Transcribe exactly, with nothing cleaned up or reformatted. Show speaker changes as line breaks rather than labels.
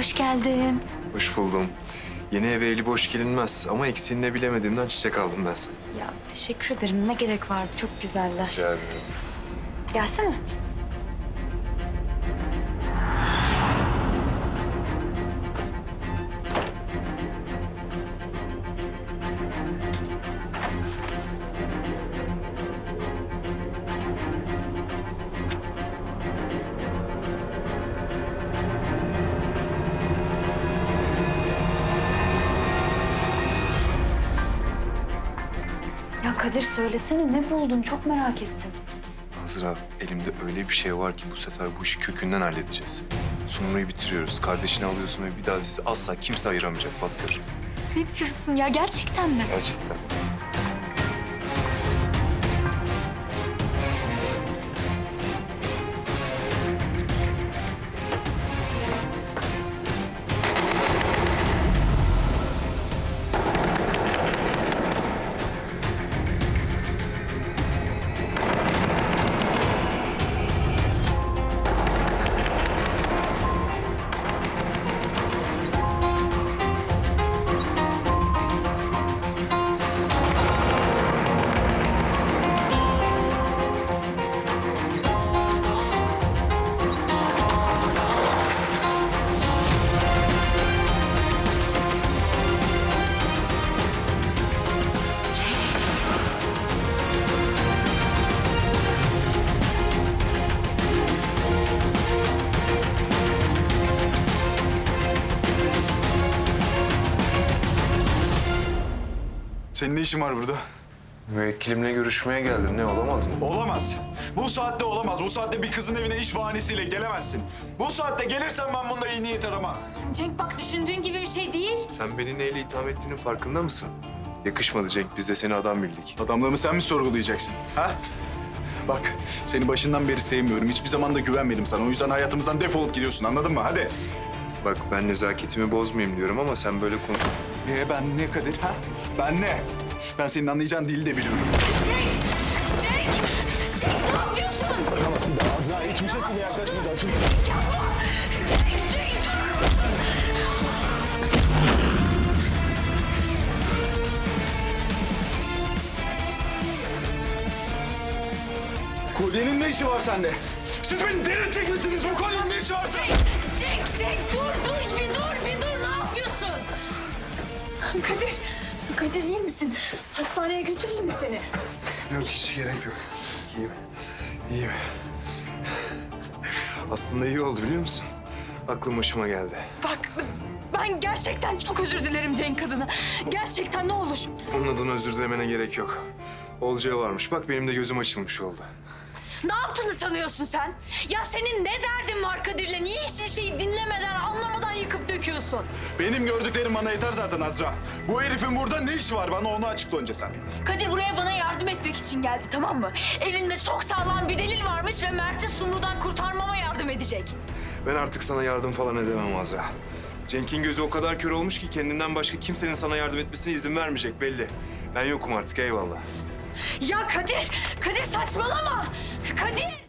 hoş geldin.
Hoş buldum. Yeni eve eli boş gelinmez ama eksiğini ne bilemediğimden çiçek aldım ben sana.
Ya teşekkür ederim. Ne gerek vardı? Çok güzeller.
Rica ederim.
Gelsene. Ya Kadir söylesene ne buldun? Çok merak ettim.
Azra, elimde öyle bir şey var ki bu sefer bu işi kökünden halledeceğiz. Sumru'yu bitiriyoruz. Kardeşini alıyorsun ve bir daha sizi asla kimse ayıramayacak. Bak gör.
Ne diyorsun ya? Gerçekten mi?
Gerçekten.
Senin ne işin var burada?
Müvekkilimle görüşmeye geldim. Ne olamaz mı?
Olamaz. Bu saatte olamaz. Bu saatte bir kızın evine iş bahanesiyle gelemezsin. Bu saatte gelirsen ben bunda iyi niyet aramam.
Cenk bak düşündüğün gibi bir şey değil.
Sen beni neyle itham ettiğinin farkında mısın? Yakışmadı Cenk. Biz de seni adam bildik.
Adamlığımı sen mi sorgulayacaksın? Ha? Bak, seni başından beri sevmiyorum. Hiçbir zaman da güvenmedim sana. O yüzden hayatımızdan defolup gidiyorsun, anladın mı? Hadi.
Bak ben nezaketimi bozmayayım diyorum ama sen böyle konu...
Ee ben ne Kadir, ha? Ben ne? Ben senin anlayacağın dili de biliyorum.
Cenk! Cenk! Cenk ne yapıyorsun?
Azra hiçbir şekilde yaklaşmayacaksın.
Cenk yapma! Cenk! Cenk durur musun?
Kolyenin ne işi var sende? Siz beni delirtecek misiniz? Bu kolyenin ne işi var sende?
Cenk! Cenk dur dur bir dur bir dur ne yapıyorsun? Kadir! Kadir iyi misin? Hastaneye götüreyim mi seni?
Yok hiç gerek yok. İyiyim. İyiyim. Aslında iyi oldu biliyor musun? Aklım başıma geldi.
Bak ben gerçekten çok özür dilerim Cenk adına. Gerçekten ne olur.
Onun adına özür dilemene gerek yok. Olacağı varmış. Bak benim de gözüm açılmış oldu.
Ne yaptığını sanıyorsun sen? Ya senin ne derdin var Kadir'le? Niye hiçbir şeyi dinlemeden, anlamadan yıkıp döküyorsun?
Benim gördüklerim bana yeter zaten Azra. Bu herifin burada ne işi var? Bana onu açıkla önce sen.
Kadir buraya bana yardım etmek için geldi tamam mı? Elinde çok sağlam bir delil varmış ve Mert'i Sumru'dan kurtarmama yardım edecek.
Ben artık sana yardım falan edemem Azra. Cenk'in gözü o kadar kör olmuş ki kendinden başka kimsenin sana yardım etmesine izin vermeyecek belli. Ben yokum artık eyvallah.
Ya Kadir, Kadir saçmalama. Kadir!